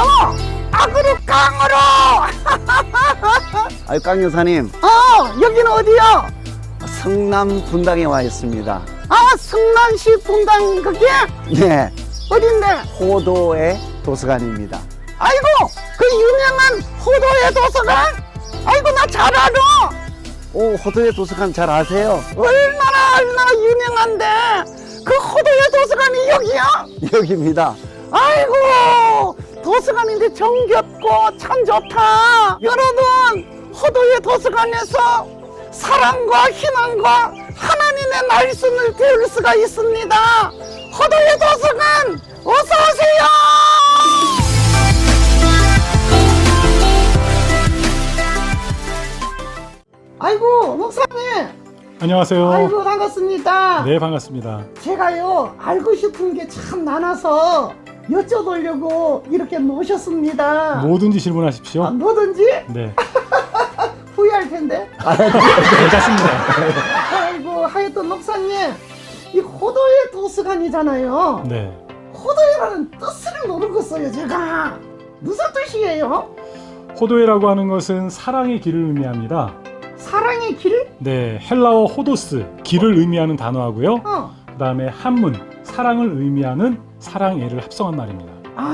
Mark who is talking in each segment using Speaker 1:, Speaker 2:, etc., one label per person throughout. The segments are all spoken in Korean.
Speaker 1: 악으로 깡으로.
Speaker 2: 아유, 깡 여사님,
Speaker 1: 여기는 어디요?
Speaker 2: 성남 분당에 와 있습니다.
Speaker 1: 성남시 분당 그게
Speaker 2: 네,
Speaker 1: 어딘데?
Speaker 2: 호도의 도서관입니다.
Speaker 1: 아이고, 그 유명한 호도의 도서관? 아이고, 나 잘 알아.
Speaker 2: 오, 호도의 도서관 잘 아세요?
Speaker 1: 얼마나 유명한데. 그 호도의 도서관이 여기야?
Speaker 2: 여기입니다.
Speaker 1: 아이고, 도서관인데 정겹고 참 좋다. 여러분, 호도의 도서관에서 사랑과 희망과 하나님의 말씀을 배울 수가 있습니다. 호도의 도서관, 어서 오세요. 아이고, 목사님.
Speaker 3: 안녕하세요.
Speaker 1: 아이고, 반갑습니다.
Speaker 3: 네, 반갑습니다.
Speaker 1: 제가요, 알고 싶은 게 참 많아서 여쭤보려고 이렇게 모셨습니다.
Speaker 3: 뭐든지 질문하십시오.
Speaker 1: 뭐든지
Speaker 3: 네,
Speaker 1: 후회할 텐데.
Speaker 3: 괜찮습니다.
Speaker 1: 아이고, 하여튼 목사님, 이 호도의 도서관이잖아요.
Speaker 3: 네,
Speaker 1: 호도라는 뜻을 모르겠어요, 제가. 무슨 뜻이에요?
Speaker 3: 호도에라고 하는 것은 사랑의 길을 의미합니다.
Speaker 1: 사랑의 길?
Speaker 3: 네, 헬라어 호도스, 길을 의미하는 단어하고요. 그 다음에 한문, 사랑을 의미하는 사랑애를 합성한 말입니다.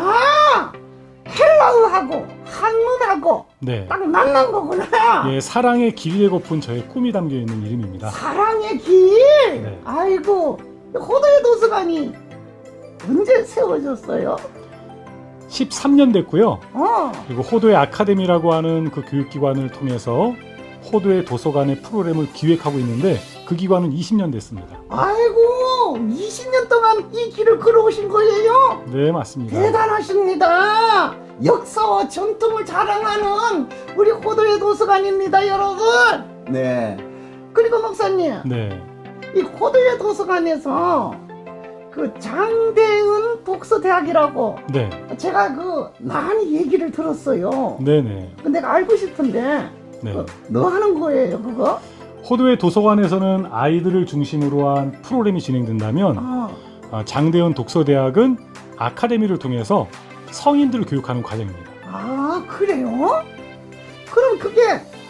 Speaker 1: 헬라어하고 한문하고
Speaker 3: 네,
Speaker 1: 딱 만난 거구나.
Speaker 3: 예, 사랑의 길이 되고픈 저의 꿈이 담겨 있는 이름입니다.
Speaker 1: 사랑의 길.
Speaker 3: 네.
Speaker 1: 아이고, 호도의 도서관이 언제 세워졌어요?
Speaker 3: 13년 됐고요. 그리고 호도의 아카데미라고 하는 그 교육기관을 통해서 호도의 도서관의 프로그램을 기획하고 있는데 그 기관은 20년 됐습니다.
Speaker 1: 아이고, 20년 동안 이 길을 걸어오신 거예요?
Speaker 3: 네, 맞습니다.
Speaker 1: 대단하십니다. 역사와 전통을 자랑하는 우리 호도의 도서관입니다, 여러분.
Speaker 2: 네,
Speaker 1: 그리고 목사님,
Speaker 3: 네,
Speaker 1: 이 호도의 도서관에서 그 장대은 독서대학이라고
Speaker 3: 네,
Speaker 1: 제가 많이 얘기를 들었어요.
Speaker 3: 네네.
Speaker 1: 근데 내가 알고 싶은데
Speaker 3: 네.
Speaker 1: 너 하는 거예요, 그거?
Speaker 3: 호도의 도서관에서는 아이들을 중심으로 한 프로그램이 진행된다면 장대현 독서대학은 아카데미를 통해서 성인들을 교육하는 과정입니다.
Speaker 1: 그래요? 그럼 그게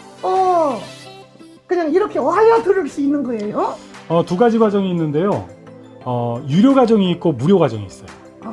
Speaker 1: 그냥 이렇게 와야 들을 수 있는 거예요?
Speaker 3: 두 가지 과정이 있는데요. 유료 과정이 있고 무료 과정이 있어요.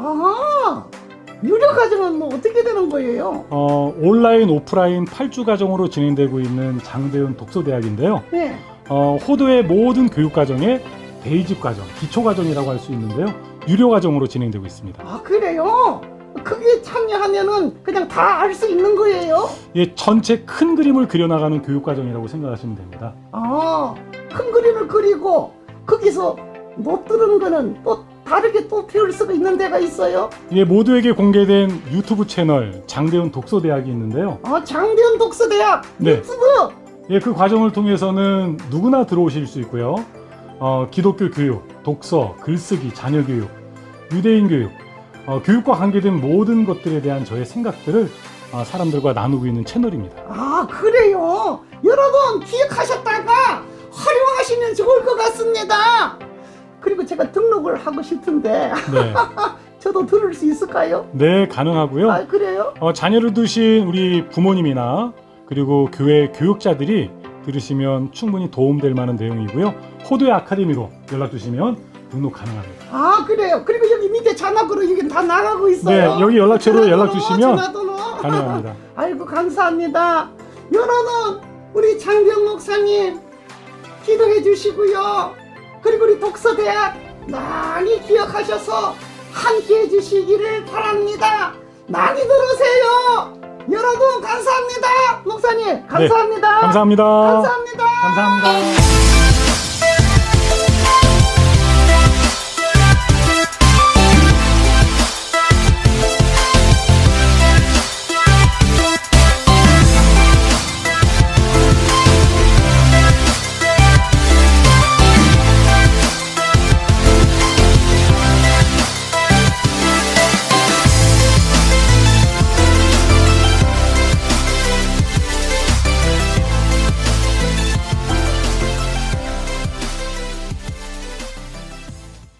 Speaker 1: 유료 과정은 뭐 어떻게 되는 거예요?
Speaker 3: 온라인, 오프라인 8주 과정으로 진행되고 있는 장대현 독서대학인데요.
Speaker 1: 네.
Speaker 3: 호도의 모든 교육 과정에 베이직 과정, 기초 과정이라고 할 수 있는데요. 유료 과정으로 진행되고 있습니다.
Speaker 1: 그래요? 그게 참여하면은 그냥 다 알 수 있는 거예요?
Speaker 3: 예, 전체 큰 그림을 그려나가는 교육 과정이라고 생각하시면 됩니다.
Speaker 1: 큰 그림을 그리고 거기서 못 들은 거는 또 다르게 또 배울 수가 있는 데가 있어요?
Speaker 3: 예, 모두에게 공개된 유튜브 채널 장대현 독서대학이 있는데요.
Speaker 1: 장대현 독서대학
Speaker 3: 네.
Speaker 1: 유튜브.
Speaker 3: 예, 그 과정을 통해서는 누구나 들어오실 수 있고요. 기독교 교육, 독서, 글쓰기, 자녀 교육, 유대인 교육, 교육과 관계된 모든 것들에 대한 저의 생각들을 사람들과 나누고 있는 채널입니다.
Speaker 1: 그래요? 여러분 기억하셨다가 활용하시면 좋을 것 같습니다. 그리고 제가 등록을 하고 싶은데
Speaker 3: 네,
Speaker 1: 저도 들을 수 있을까요?
Speaker 3: 네, 가능하고요.
Speaker 1: 그래요?
Speaker 3: 자녀를 두신 우리 부모님이나 그리고 교회 교육자들이 들으시면 충분히 도움될 만한 내용이고요. 호도의 아카데미로 연락 주시면 등록 가능합니다.
Speaker 1: 그래요? 그리고 여기 밑에 전화번호 여기 다 나가고 있어요.
Speaker 3: 네, 여기 연락처로 연락 주시면
Speaker 1: 전화번호.
Speaker 3: 가능합니다.
Speaker 1: 아이고, 감사합니다. 여러분, 우리 장병 목사님 기도해 주시고요. 그리고 우리 독서대학 많이 기억하셔서 함께 해주시기를 바랍니다. 많이 들으세요. 여러분 감사합니다. 목사님 감사합니다.
Speaker 3: 네, 감사합니다.
Speaker 1: 감사합니다.
Speaker 3: 감사합니다.